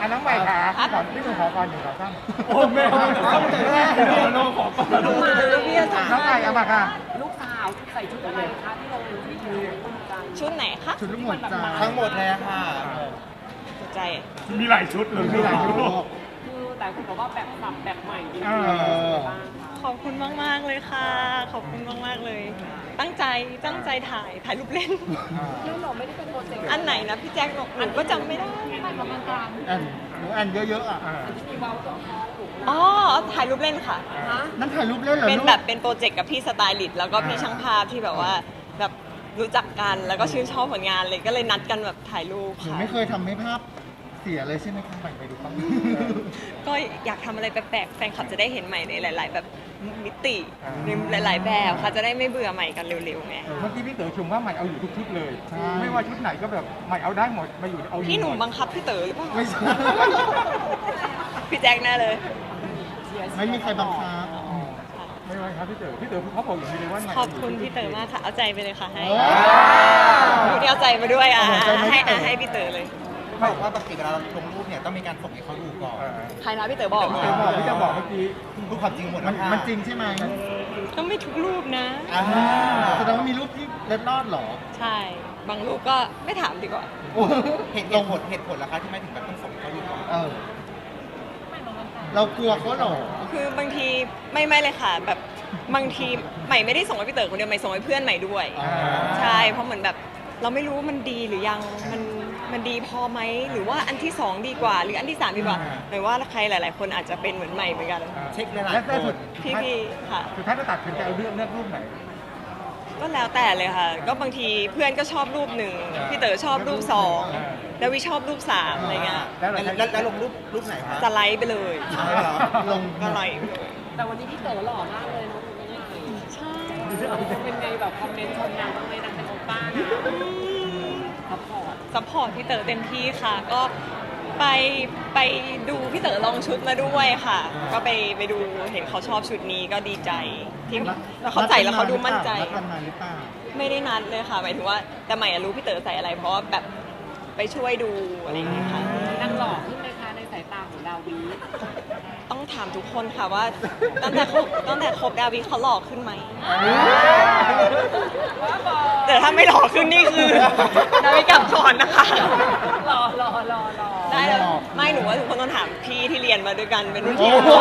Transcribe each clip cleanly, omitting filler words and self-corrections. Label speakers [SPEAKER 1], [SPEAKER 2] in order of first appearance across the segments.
[SPEAKER 1] น้องใหม่ค่ะพี่หนูขอก่อนหนึ่งขอตั้ง
[SPEAKER 2] โอ้แม่น้องขอก่อน
[SPEAKER 1] น้องใหม่เอามาค่ะ
[SPEAKER 3] ลูกสาวใส่ชุดอะไรคะที่เราที่ดูกัน
[SPEAKER 4] ชุดไหนคะ
[SPEAKER 1] ชุดลูกหมดจ้า
[SPEAKER 5] ทั้งหมดเลยค่ะ
[SPEAKER 4] สนใจ
[SPEAKER 2] มีหลายชุดเลย
[SPEAKER 1] มีหลายชุด
[SPEAKER 3] คือแต่คุณบอกว่าแบบสับแบบใหม่ดี
[SPEAKER 1] เออ
[SPEAKER 3] บ้างคะ
[SPEAKER 4] ขอบคุณมาก ๆ เลยค่ะ ขอบคุณมาก ๆ เลย ตั้งใจถ่ายรูปเล่น
[SPEAKER 3] แล้วเราไม่ได้เป็นโปรเจกต์
[SPEAKER 4] อันไหนนะพี่แจ็คบอกหนูก็จำไม่ได้
[SPEAKER 3] ถ่ายประมาณการ
[SPEAKER 1] แอนหนูแอนเยอะๆอ่ะ
[SPEAKER 3] ที่เบาตัวท้องถูก
[SPEAKER 4] อ๋อ ถ่ายรูปเล่นค่ะ
[SPEAKER 3] ฮะ
[SPEAKER 1] นั่นถ่ายรูปเล่นเหรอ
[SPEAKER 4] เป็น
[SPEAKER 1] ลูก
[SPEAKER 4] แบบเป็นโปรเจกต์กับพี่สไตลิสต์แล้วก็พี่ช่างภาพที่แบบว่าแบบรู้จักกันแล้วก็ชื่นชอบผลงานเลยก็เลยนัดกันแบบถ่ายรูป
[SPEAKER 1] หนู
[SPEAKER 4] ค่ะ
[SPEAKER 1] ไม่เคยทำให้ภาพเสียเลยใช่ไหมคะไปดูบ้าง
[SPEAKER 4] ก็อยากทำอะไรแปลกๆแฟนคลับจะได้เห็นใหม่ในหลาย ๆ แบบมิติในหลาย ๆ แบบค่ะจะได้ไม่เบื่อใหม่กันเร็วๆไง
[SPEAKER 6] เมื่อกี้พี่เต๋อชมว่าใหม่เอาอยู่ทุกชุดเลย
[SPEAKER 1] ใช่
[SPEAKER 6] ไม่ว่าชุดไหนก็แบบใหม่เอาได้หมดมาอยู่เอาอยู่
[SPEAKER 4] พี่หนุ่ม
[SPEAKER 6] มด
[SPEAKER 4] บังคับพี่เต๋อหรือเปล่า
[SPEAKER 1] ไม่ใช่
[SPEAKER 4] พี่แจ็คแน่เลย
[SPEAKER 1] ไม่มีใครบังคับ
[SPEAKER 6] ไม่ว่าครับพี่เต๋อเขาบอกอย่างนี้เลยว่าใหม่
[SPEAKER 4] ขอบคุณพี่เต๋อมากค่ะ เอาใจไปเลยค่ะให้
[SPEAKER 1] โอ้
[SPEAKER 4] วันนี้เอาใจมาด้วยอ่ะ
[SPEAKER 1] เอาใจมาให้
[SPEAKER 4] ให้พี่เต๋อเลย
[SPEAKER 5] เขาบอกว่าปกติเวลาเราลงรูปเนี่ยต้องมีการส่งให้เขาดูก่อน
[SPEAKER 4] ใครนะพี่เต๋อบอก
[SPEAKER 6] พี่เต๋อบอกพี่จะบอกเมื่อกี้
[SPEAKER 5] ดูความจริงหมด
[SPEAKER 1] มัน
[SPEAKER 5] แล้วค่ะ
[SPEAKER 1] มันจริงใช่ไหม
[SPEAKER 4] ก็ไม่ทุกรูปนะ
[SPEAKER 5] อ่า
[SPEAKER 1] แสดงว่ามีรูปที่เล็ดลอดเหรอ
[SPEAKER 4] ใช่ บางรูปก็ไม่ถามดีกว่า
[SPEAKER 1] โอ้
[SPEAKER 5] เหตุผลล่ะคะที่ไม่ถึงแบบต้องส่งให้เขาดูก่อน
[SPEAKER 1] เออเรากลัวเขาเหรอ
[SPEAKER 4] คือบางทีไม่เลยค่ะ แบบบางทีใหม่ไม่ได้ส่งให้พี่เต๋อคนเดียวใหม่ส่งให้เพื่อนใหม่ด้วย
[SPEAKER 1] อ่า
[SPEAKER 4] ใช่ เพราะเหมือนแบบเราไม่รู้ว่ามันดีหรือยังมันดีพอไหมหรือว่าอันที่สองดีกว่า หรืออันที่สามดีกว่าหมายว่าใครหลาย ๆ คนอาจจะเป็นเหมือนใหม่เหมือนกัน
[SPEAKER 5] เช็คหลาย
[SPEAKER 6] และ
[SPEAKER 5] ๆค
[SPEAKER 6] แต่สุด
[SPEAKER 5] น
[SPEAKER 4] พี่ค่ะ
[SPEAKER 6] สุดท้ายจะตัดสินใจเอาเลือกรูปไหน
[SPEAKER 4] ก็แล้วแต่เลยค่ะ ก็บางทีเพื่อนก็ชอบรูปหนึ่งพี่เต๋อชอบรูปสองแล้ววิชอบรูปสามอะไรเงี้ย
[SPEAKER 5] แล้วลงรูปไหนคะ
[SPEAKER 4] สไลด์ไปเลย
[SPEAKER 5] ใช่เหรอ
[SPEAKER 1] ลง
[SPEAKER 4] ก็ไลค์ไปเลย
[SPEAKER 3] แต่วันนี้พี่เต๋อหล่อมากเลยเนาะคุณแม่
[SPEAKER 4] ใช่
[SPEAKER 3] เป็นไงแบบคอมเมนต์ชมนางบ้างไหมนางเป็นโอป้านะซัพพอร์ต
[SPEAKER 4] ซัพพอร์ตพี่เต๋อเต็มที่ค่ะ ก็ไปดูพี่เต๋อลองชุดมาด้วยค่ะ ก็ไปดูเห็นเขาชอบชุดนี้ก็ดีใจที่แล้วเขาใส่แล้วเขาดูมั่นใจ
[SPEAKER 1] นัดกันมาหรือเปล่า
[SPEAKER 4] ไม่ได้นัดเลยค่ะหมายถึงว่าแต่ใหม่อะรู้พี่เต๋อใส่อะไร เพราะว่าแบบไปช่วยดูอะไรอย่างเงี้ยค่ะ
[SPEAKER 3] นางหล่อขึ้นไหมคะในสายตาของดาวี
[SPEAKER 4] ต้องถามทุกคนค่ะว่าตั้งแต่คบดาวิเขาหล่อขึ้นไหมแต่ถ้าไม่หล่อขึ้นนี่คือดาวิกลับก่อนนะคะ
[SPEAKER 3] หล่อ
[SPEAKER 4] ได้แล้วไม่หนูว่าทุกคนต้องถามพี่ที่เรียนมาด้วยกันเป็นรุ่นพี่
[SPEAKER 1] โอ้โห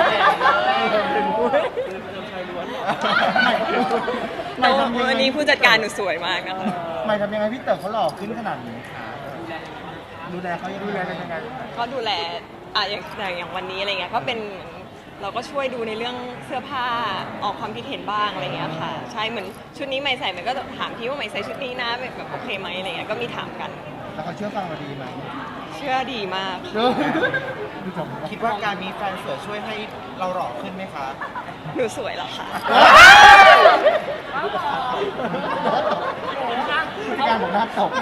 [SPEAKER 1] ไม่ทำยังไง
[SPEAKER 4] วันนี้ผู้จัดการหนูสวยมากนะคะ
[SPEAKER 1] ไม่ทำยังไงพี่เต๋อเขาหล่อขึ้นขนาดนี้คะดูแลเขายัง
[SPEAKER 6] ดูแลกันยังไง
[SPEAKER 4] ก็ดูแลอย่างวันนี้อะไรเงี้ยก็เป็นเราก็ช่วยดูในเรื่องเสื้อผ้าออกความคิดเห็นบ้างอะไรเงี้ยค่ะใช่เหมือนชุดนี้ใหม่ใส่มันก็ถามพี่ว่าใหม่ใส่ชุดนี้นะแบบโอเคไหมอะไรเงี้ยก็มีถามกัน
[SPEAKER 1] แล้วเขาเชื่อฟังเราดีไหม
[SPEAKER 4] เชื่อดีมาก
[SPEAKER 1] ดูจบ
[SPEAKER 5] คิดว่าการมีแฟนสวยช่วยให้เราหล่อขึ้นไหมคะ
[SPEAKER 4] หนูสวยแล้วค่ะ
[SPEAKER 1] ผู้จัดการบอกหน้าตก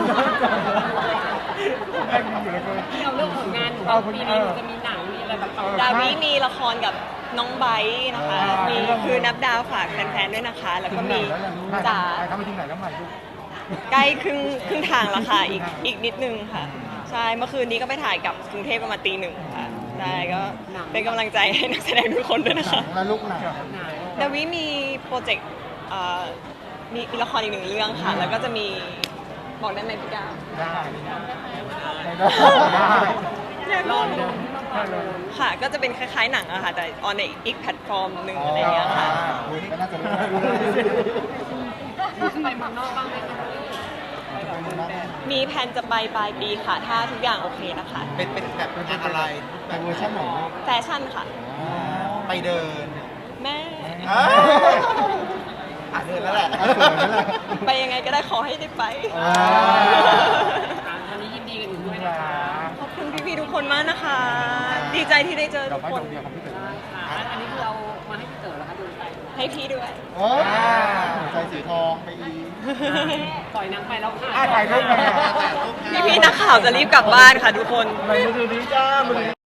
[SPEAKER 6] แม่งอยู่เลย
[SPEAKER 3] ที่เราเลือกผลงานหนูว่าปีนี้หนูจะมีหนังมีอะไรแบบเอา
[SPEAKER 4] ดาวิมีละครกับน้องไบร์ทนะคะ มีคือนับดาวฝากแฟนๆด้วยนะคะ แล้วก็มีจ๋า
[SPEAKER 6] ทำไปถึงไหนแล้วใหม่ลูก
[SPEAKER 4] ใกล้ครึ่งทางแล้วค่ะอีกนิดนึงค่ะ ใช่เมื่อคืนนี้ก็ไปถ่ายกับกรุงเทพประมาณตีหนึ่งค่ะได้ก็เป็นกำลังใจให้นักแสดงทุกคนด้วยนะคะ
[SPEAKER 1] แล้วลูกหนัง
[SPEAKER 4] ดาวิมีโปรเจกต์มีละครอีกหนึ่งเรื่องค่ะ แล้วก็จะมีบอกได้ไหมพี่ก้าว
[SPEAKER 6] ได้ได้
[SPEAKER 3] รอดู
[SPEAKER 4] ค่ะ ก็จะเป็นคล้ายๆหนังอะค่ะ แต่ออนในอีกแพลตฟอร์มหนึ่งอะไรอย่างเงี้ยค่ะ
[SPEAKER 1] ก็น่าจะรู้
[SPEAKER 3] ไปเมืองนอกบ้างไหมคะ
[SPEAKER 4] มีแผนจะไปปลายปีค่ะ ถ้าทุกอย่างโอเคนะคะ
[SPEAKER 5] เป็นแบบงานอะไร
[SPEAKER 1] แต่เวอร์ชันไหน
[SPEAKER 4] แฟชั่นค่ะ
[SPEAKER 5] ไปเดิน
[SPEAKER 4] แม่
[SPEAKER 5] เดินแล้วแหละ
[SPEAKER 1] สวยนั่นแหละ
[SPEAKER 4] ไปยังไงก็ได้ขอให้ได้ไป
[SPEAKER 3] วันนี้ยินดีกันอยู่ด้วยนะคะ
[SPEAKER 4] ขอบคุณพี่ๆทุกคนมากนะคะ ดีใจที่ได้เจอ
[SPEAKER 6] ดอ
[SPEAKER 4] ทุ
[SPEAKER 6] ก
[SPEAKER 4] ก
[SPEAKER 6] ไม้
[SPEAKER 4] ค
[SPEAKER 6] ด
[SPEAKER 4] น
[SPEAKER 6] อกเดียวของพี่เต๋อ
[SPEAKER 3] อันนี้คือเอามาให้พี่เต๋อแล้วคะดูไป
[SPEAKER 4] ให้พี่ด้วย
[SPEAKER 1] โอ้ใจสีทองไปอีก
[SPEAKER 3] ปล่อยนางไปแล้วค่ะ
[SPEAKER 6] ถ่ายรูปกัน
[SPEAKER 4] พี่ๆนักข่าวจะรีบกลับบ้านค่ะทุกคน
[SPEAKER 1] ไม่ดูดีจ้ามึง